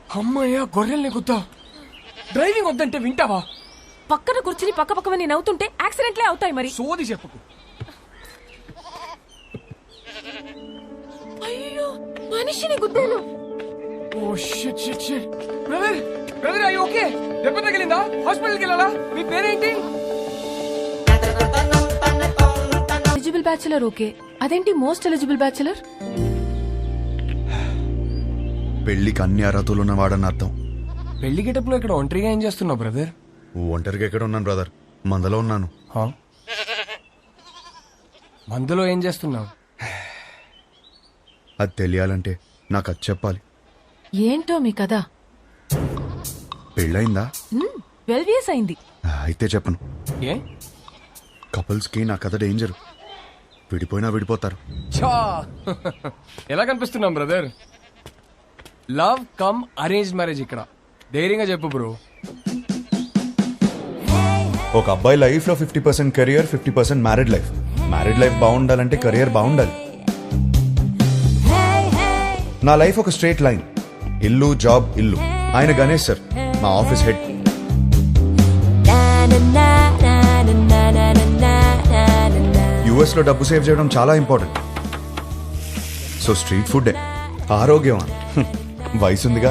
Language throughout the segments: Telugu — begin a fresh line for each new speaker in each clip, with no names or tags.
అమ్మయ్యా గొర్రెల్ని గుద్దా. డ్రైవింగ్ వద్దంటే వింటావా?
పక్కన కూర్చుని పక్క పక్కవని నవ్వుతుంటే యాక్సిడెంట్లే అవుతాయి మరి.
సోది చెప్పకు.
అయ్యో మనిషిని గుద్దాను.
ఓ shit shit shit. Brother brother అయ్యో ఓకే. దెబ్బ తగిలిందా? హాస్పిటల్కి వెళ్ళాలా? మీ పేరేంటి?
ఎలిజిబుల్ బ్యాచులర్ ఓకే, అదేంటి మోస్ట్ ఎలిజిబుల్ బ్యాచులర్?
పెళ్లికి అన్ని అర్హతలు ఉన్నవాడని అర్థం.
పెళ్లి గెటప్లో ఇక్కడ ఒంటరిగా ఏం చేస్తున్నావు బ్రదర్?
ఒంటరిగా ఎక్కడ ఉన్నాను బ్రదర్, మందలో ఉన్నాను.
మందులో ఏం చేస్తున్నావు?
అది తెలియాలంటే నాకు అది చెప్పాలి.
ఏంటో మీ కదా?
పెళ్ళయిందా?
12 years అయింది.
అయితే చెప్పను.
ఏ?
కపుల్స్ కి నా కథ డేంజర్. విడిపోయినా విడిపోతారు.
ఛా! ఎలా కనిపిస్తున్నాం brother? Love come arrange marriage ఇక్కడ. ధైర్యంగా చెప్పు బ్రో.
ఒక అబ్బాయి లైఫ్ లో 50% career, 50% married life. Married life బాగుండాలంటే కెరియర్ బాగుండాలి. నా లైఫ్ ఒక స్ట్రేట్ లైన్. ఇల్లు జాబ్ ఇల్లు. ఆయన గణేష్ సార్, మా ఆఫీస్ హెడ్. యుఎస్ లో డబ్బు సేవ్ చేయడం చాలా ఇంపార్టెంట్. సో స్ట్రీట్ ఫుడ్ ఆరోగ్యం. వయసుందిగా.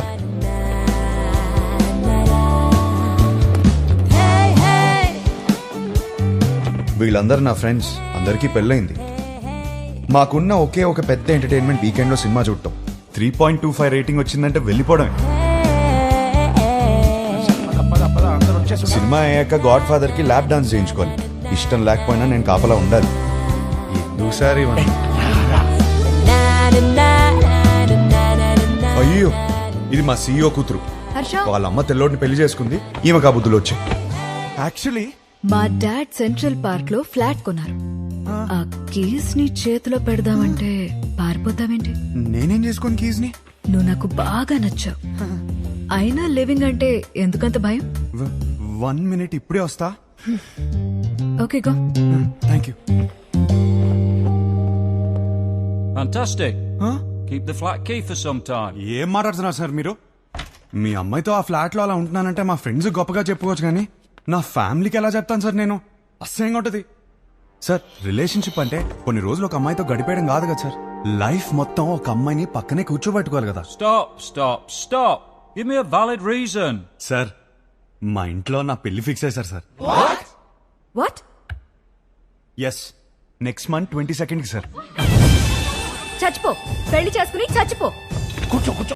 వీళ్ళందరూ నా ఫ్రెండ్స్. అందరికీ పెళ్ళైంది. మాకున్న ఒకే ఒక పెద్ద ఎంటర్టైన్మెంట్ వీకెండ్ లో సినిమా చూడటం. 3.25 రేటింగ్ వచ్చిందంటే వెళ్ళిపోవడమే. సినిమా అయ్యాక గాడ్ ఫాదర్ కి ల్యాప్ డాన్స్ చేయించుకోవాలి. ఇష్టం లేకపోయినా నేను కాపలా ఉండాలి. ఎందుసారి అయ్యో, ఇది మా సీఈఓ కూతురు. వాళ్ళ అమ్మ తెల్లోడిని పెళ్లి చేసుకుంది. ఈమె కాబుద్దులు వచ్చాయి.
యాక్చువల్లీ
మా డాడ్ సెంట్రల్ పార్క్ లో ఫ్లాట్ కొన్నారు. ఆ కీస్ ని చేతిలో పెడదామంటే పారిపోతావేంటి?
నేనేం చేసుకోను కీస్ ని.
నువ్వు నాకు బాగా నచ్చావు. అయినా లివింగ్ అంటే ఎందుకంత భయం?
1 minute ఇప్పుడే వస్తా.
Okay go.
Thank you.
Fantastic.
Huh?
Keep the flat key for some time.
ఏం మాట్లాడుతున్నారు సార్ మీరు? మీ అమ్మాయితో ఆ ఫ్లాట్ లో అలా ఉంటున్నానంటే మా ఫ్రెండ్స్ గొప్పగా చెప్పుకోవచ్చు, కానీ నా ఫ్యామిలీకి ఎలా చెప్తాను సార్ నేను? అసహ్యంగా ఉంటది సార్. రిలేషన్షిప్ అంటే కొన్ని రోజులు ఒక అమ్మాయితో గడిపేయడం కాదు కదా సార్. లైఫ్ మొత్తం ఒక అమ్మాయిని పక్కనే కూర్చోబెట్టుకోవాలి కదా
Stop. Give me a valid reason.
Sir. మా ఇంట్లో నా పెళ్లి ఫిక్స్ అయ్యారు sir.
What?
Yes, next month 22nd కి సార్.
చచ్చిపో, పెళ్లి చేసుకుని చచ్చిపో.
కూర్చో కూర్చో.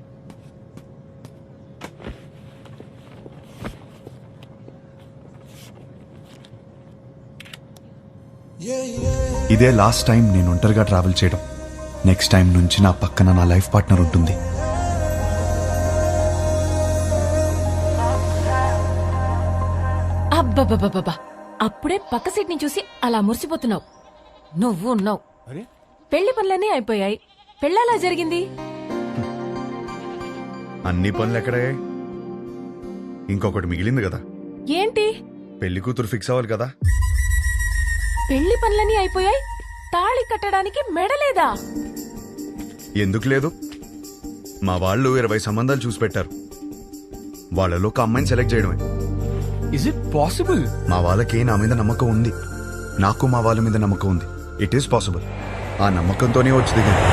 ఇదే లాస్ట్ టైం నేను ఒంటరిగా ట్రావెల్ చేయడం. నెక్స్ట్ టైం నుంచి నా పక్కన నా లైఫ్ పార్ట్నర్ ఉంటుంది.
అబ్బబ్బబ్బబ్బా, అప్పుడే పక్క సీట్ ని చూసి అలా మురిసిపోతున్నావు. నువ్వు ఉన్నావు. పెళ్లి పనులన్నీ అయిపోయాయి. పెళ్ళలా జరిగింది.
అన్ని పనులు ఎక్కడే? ఇంకొకటి మిగిలింది కదా.
ఏంటి?
పెళ్లి కూతురు ఫిక్స్ అవ్వాలి కదా.
పెళ్లి పనులన్నీ అయిపోయాయి, తాళి కట్టడానికి మెడలేదా?
ఎందుకు లేదు? మా వాళ్ళు 20 సంబంధాలు చూసి పెట్టారు. వాళ్ళలో ఒక అమ్మాయిని సెలెక్ట్ చేయడమే.
Is it possible?
మా వాళ్ళకి నా మీద నమ్మకం ఉంది. నాకు మా వాళ్ళ మీద నమ్మకం ఉంది. It is possible. ఆ నమ్మకంతోనే వచ్చి దిగింది.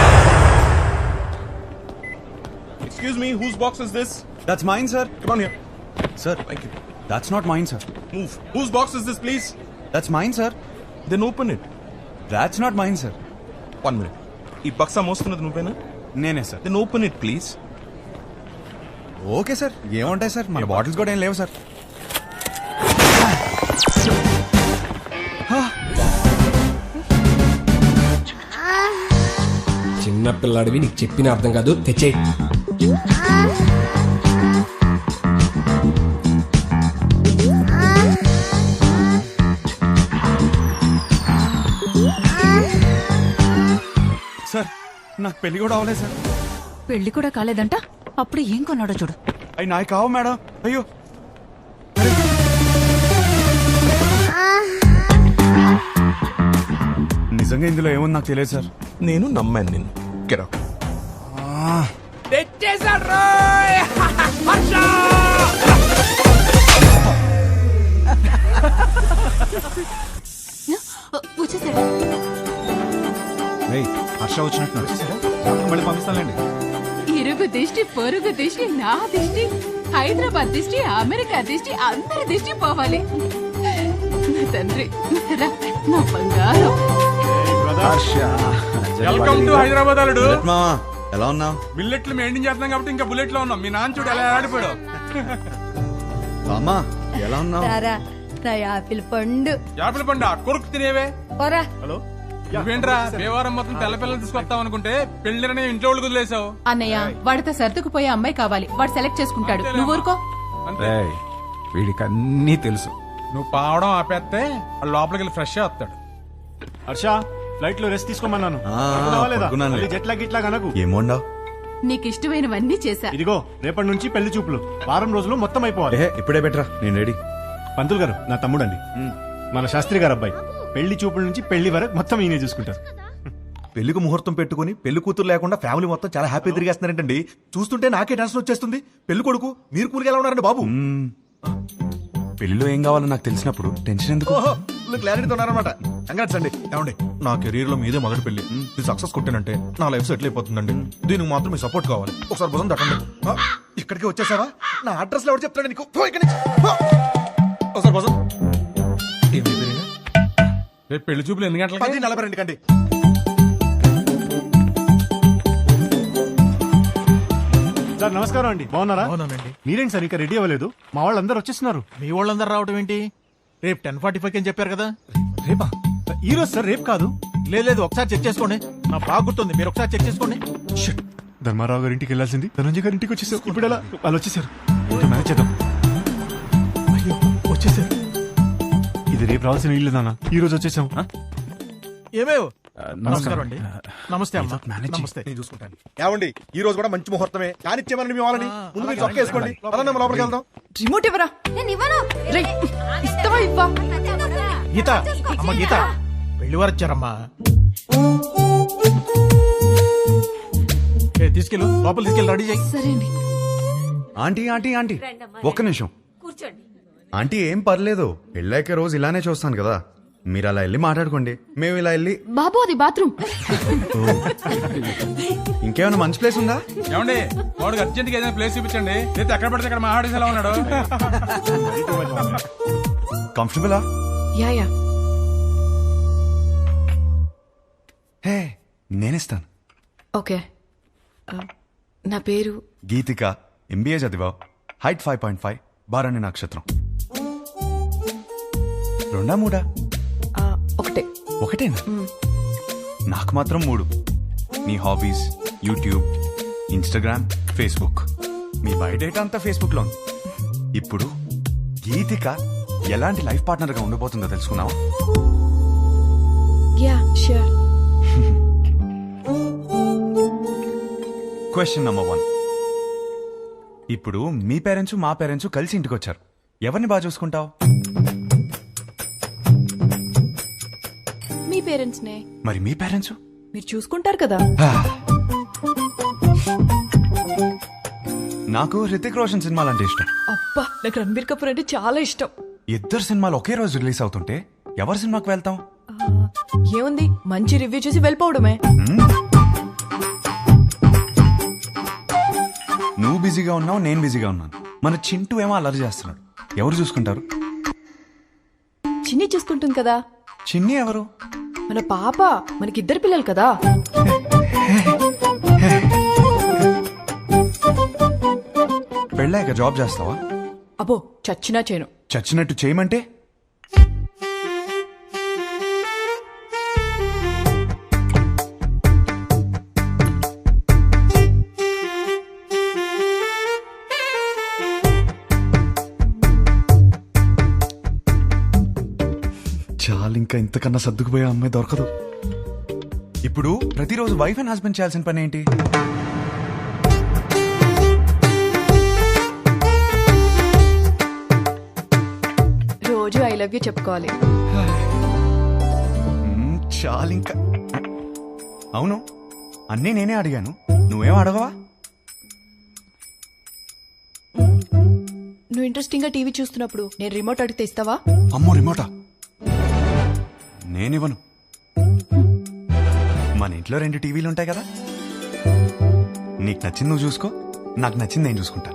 Excuse me, whose box is this?
That's mine sir.
Come on here.
Sir,
Thank you.
That's not mine sir.
Move. Whose box is this, please?
That's mine sir.
Then open it.
That's not mine sir.
1 minute. ఈ బక్సా మోస్తున్నది నువ్వేనా?
నేనే sir.
Then open it, please.
Okay sir. ఏముంటాయి సార్, మన బాటిల్స్ కూడా ఏం లేవు సార్.
చిన్న పిల్లాడివి, నీకు చెప్పిన అర్థం కాదు. తెచ్చే.
సార్, నాకు పెళ్లి కూడా అవ్వలేదు సార్.
పెళ్లి కూడా కాలేదంట. అప్పుడు ఏం కొన్నాడో చూడు.
అవి నాకు కావు మేడం. అయ్యో, నిజంగా ఇందులో ఏముంది నాకు తెలియదు సార్.
నేను నమ్మాను నిన్ను. Get out.
తెచ్చేసా.
వచ్చేసాడు.
హర్ష వచ్చినట్టు మళ్ళీ పంపిస్తానండి.
ఇరుగు దిష్టి పొరుగు దిష్టి నా దిష్టి హైదరాబాద్ దిష్టి అమెరికా దిష్టి అందరి దిష్టి పోవాలి. నా తండ్రి రా, నా బంగారం.
వెల్కమ్ టు హైదరాబాద్ అల్లుడు.
మామా ఎలా ఉన్నావు?
బిల్లెట్లు మెయింటైన్ చేస్తున్నాం కాబట్టి ఇంకా బుల్లెట్ లో ఉన్నాం. మీ నాన్న చూడు ఎలా ఆడిపోయాడు.
అమ్మా ఎలా ఉన్నావు?
నా యాపిల్ పండు
యాపిల్ పండు కొరుకు తినేవే.
పోరా.
నువ్వేంట్రా దేవారం మొత్తం తెల్ల పిల్లలు తీసుకొస్తావు అనుకుంటే పెళ్లిరని ఇంట్లో వాళ్ళు వదిలేసావు.
అన్నయ్య వాడితో సర్దుకుపోయే అమ్మాయి కావాలి, వాడు సెలెక్ట్ చేసుకుంటాడు. నువ్వు ఊరుకో.
అంతే.
వీడికి అన్నీ తెలుసు.
నువ్వు పావడం ఆపేస్తే వాడు లోపలికి వెళ్ళి ఫ్రెష్ వస్తాడు.
హర్ష ఫ్లైట్ లో రెస్ట్ తీసుకోమన్నాను.
ఆ, పడుకున్నానులే.
జెట్ లాగ్ ఇట్లా కనకు.
ఏమోండావు?
నీకు ఇష్టమైనవన్నీ చేశా.
ఇదిగో రేపటి నుంచి పెళ్లి చూపులు వారం రోజులు మొత్తం అయిపోవాలి.
ఇప్పుడే బెటరా, నేను రెడీ.
పంతులు గారు నా తమ్ముడండి, మన శాస్త్రి గారు అబ్బాయి. పెళ్లి చూపుల నుంచి పెళ్లి వరకు మొత్తం ఈయనే చూసుకుంటారు.
పెళ్లికి ముహూర్తం పెట్టుకుని పెళ్లి కూతురు లేకుండా ఫ్యామిలీ మొత్తం చాలా హ్యాపీ తిరిగేస్తున్నారంటండి. చూస్తుంటే నాకే టెన్షన్ వచ్చేస్తుంది. పెళ్లి కొడుకు మీరు కూలికి ఎలా ఉన్నారండి బాబు?
పెళ్లిలో ఏం కావాలో నాకు తెలిసినప్పుడు టెన్షన్ ఎందుకు?
క్లారిటీతో ఉన్నారనమాట. కంగ్రాట్స్ అండి. ఏమండి నా కెరీర్ లో మీదే మొదటి పెళ్లి. ఇది సక్సెస్ కొట్టానంటే నా లైఫ్ సెటిల్ అయిపోతుందండి. దీనికి మాత్రం మీ సపోర్ట్ కావాలి. ఒకసారి భుజం తట్టండి. ఇక్కడికి వచ్చేసావా? నా అడ్రస్ లో ఎవరు చెప్తాడు నీకు? పో ఇక్కడి నుంచి. పో. ఒకసారి భుజం.
రేపు పెళ్లి చూపులు ఎన్ని గంటలకి?
10:42 కండి.
సార్ నమస్కారం అండి, బాగున్నారా? మీరేంటి సార్ ఇంకా రెడీ అవ్వలేదు? మా వాళ్ళందరూ వచ్చేస్తున్నారు.
మీ వాళ్ళందరూ రావడం ఏంటి? రేపు 10:45 అని చెప్పారు కదా.
రేపా? ఈ రోజు సార్, రేపు కాదు.
లేదు ఒకసారి చెక్ చేసుకోండి. నా బాగా గుర్తుంది, మీరు ఒకసారి చెక్ చేసుకోండి.
షిట్. ధర్మారావు గారి ఇంటికి వెళ్ళాల్సింది ధనంజయ్ గారి ఇంటికి వచ్చేసారు. ఇప్పుడు ఎలా? వాళ్ళు వచ్చేసారు. ఇంకా మేనేజ్ చేద్దాం. అయ్యో వచ్చేసారు. ఇది రేపు రావాల్సిన ఇల్లు నాన్న, ఈ రోజు వచ్చేసాం.
ఏమేవ్ నమస్కారం అండి. నమస్తే అమ్మా. నమస్తే.
నేను చూసుకుంటాను. ఏమండి ఈ రోజు కూడా మంచి ముహూర్తమే. కానిచ్చేమని మీ వాళ్ళని ముందు మీరు చొక్క వేసుకోండి. పదండి అమ్మ, లోపలికి వెళ్దాం.
రిమోట్ ఇవ్వరా. ఇస్తావా ఇవ్వా?
గీత అమ్మ, గీత పెళ్లి వారు వచ్చారమ్మా. తీసుకెళ్ళు, లోపల తీసుకెళ్ళి రెడీ చేయి.
సరే అండి.
ఆంటీ ఆంటీ ఆంటీ ఒక్క నిమిషం. ఆంటీ ఏం పర్లేదు, పెళ్ళాక రోజు ఇలానే చూస్తాను కదా. మీరు అలా వెళ్ళి మాట్లాడుకోండి, మేము ఇలా వెళ్ళి.
బాబు అది బాత్రూమ్.
ఇంకేమైనా మంచి ప్లేస్ ఉందా?
ఏమండి వాడికి అర్జెంట్ గా ఏదైనా ప్లేస్ చూపించండి. లేదా ఎక్కడ పడితే అక్కడ మా ఆడేసి ఎలా ఉన్నాడు.
కంఫర్టబులా?
Yeah yeah.
హే నేనిస్తాను.
ఓకే. నా పేరు
గీతిక, ఎంబీఏ చదివావు, హైట్ 5.5, బారాణి నక్షత్రం. రెండా మూడా?
ఒకటే.
ఒకటేనా? నాకు మాత్రం 3. నీ హాబీస్ యూట్యూబ్, ఇన్స్టాగ్రామ్, ఫేస్బుక్. మీ బయోడేటా అంతా ఫేస్బుక్ లో ఉంది. ఇప్పుడు గీతిక ఎలాంటి లైఫ్ పార్ట్నర్ గా ఉండబోతుందో తెలుసుకున్నావా?
Yeah sure.
Question number 1. ఇప్పుడు మీ పేరెంట్స్ మా పేరెంట్స్ కలిసి ఇంటికి వచ్చారు. ఎవరిని బాగా చూసుకుంటావు?
మీ పేరెంట్స్ నే.
మరి మీ పేరెంట్స్?
మీరు చూసుకుంటారు కదా.
నాకు హృతిక్ రోషన్ సినిమాలు అంటే ఇష్టం.
అబ్బా నాకు రణబీర్ కపూర్ అంటే చాలా ఇష్టం.
ఇద్దరు సినిమాలు ఒకే రోజు రిలీజ్ అవుతుంటే ఎవరి సినిమాకి వెళ్తాం?
ఏముంది, మంచి రివ్యూ చూసి వెళ్ళిపోవడమే.
నువ్వు బిజీగా ఉన్నావు, నేను బిజీగా ఉన్నాను. మన చింటూ ఏమో అల్లరి చేస్తున్నాడు. ఎవరు చూసుకుంటారు?
చిన్ని చూసుకుంటుంది కదా.
చిన్ని ఎవరు?
మన పాప. మనకిద్దరు పిల్లలు కదా.
పెళ్ళాక జాబ్ చేస్తావా?
అబ్బో చచ్చినా చేయను.
చచ్చినట్టు చేయమంటే? చాలు, ఇంకా ఇంతకన్నా సర్దుకుపోయే అమ్మాయి దొరకదు. ఇప్పుడు ప్రతిరోజు వైఫ్ అండ్ హస్బెండ్ చేయాల్సిన పని ఏంటి?
రోజు ఐ లవ్ యూ చెప్పుకోవాలి.
చాలు ఇంకా. అవును, అన్నీ నేనే అడిగాను, నువ్వేం అడగవా?
నువ్వు ఇంట్రెస్టింగ్ గా టీవీ చూస్తున్నప్పుడు నేను రిమోట్ అడిగితే ఇస్తావా?
అమ్మో రిమోటా నేనివ్వను. మన ఇంట్లో 2 టీవీలు ఉంటాయి కదా, నీకు నచ్చింది నువ్వు చూసుకో, నాకు నచ్చింది నేను చూసుకుంటాను.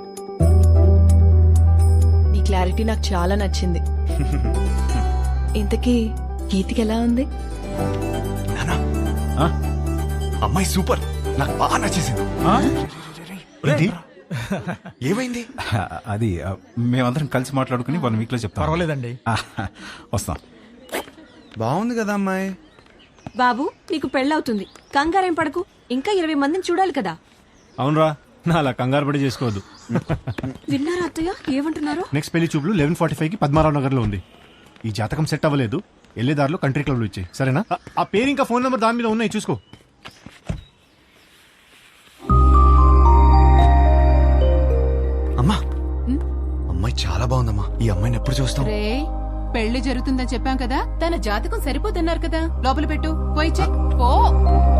నీ క్లారిటీ నాకు చాలా నచ్చింది. ఇంతకీ గీతికి ఎలా ఉంది?
నానా అమ్మాయి సూపర్, నాకు బాగా నచ్చేసింది. ఏమైంది?
అది మేమందరం కలిసి మాట్లాడుకుని 1 వీక్ లో చెప్తాం.
పర్వాలేదండి.
వస్తాం.
బాగుంది కదా అమ్మాయి.
బాబు నీకు పెళ్ళవుతుంది, కంగారేం పడకు. ఇంకా 20 మందిని చూడాలి కదా.
అవునరా, నా అలా కంగారు పడి చేసుకోవద్దు.
విన్నారా అత్తయ్య ఏమంటున్నారు?
నెక్స్ట్ పెళ్లి చూపులు 11:45కి పద్మారావు నగర్ లో ఉంది. ఈ జాతకం సెట్ అవ్వలేదు, వెళ్ళేదారిలో కంట్రీ క్లబ్ లో ఇచ్చాయి, సరేనా? ఆ పేరు ఇంకా ఫోన్ నెంబర్ దాని మీద ఉన్నాయి, చూసుకో.
అమ్మా అమ్మాయి చాలా బాగుందమ్మా. ఈ అమ్మాయిని ఎప్పుడు చూస్తాం?
రే పెళ్లి జరుగుతుందని చెప్పాం కదా, తన జాతకం సరిపోతున్నారు కదా, లోపల పెట్టు, పోయి చెక్. పో.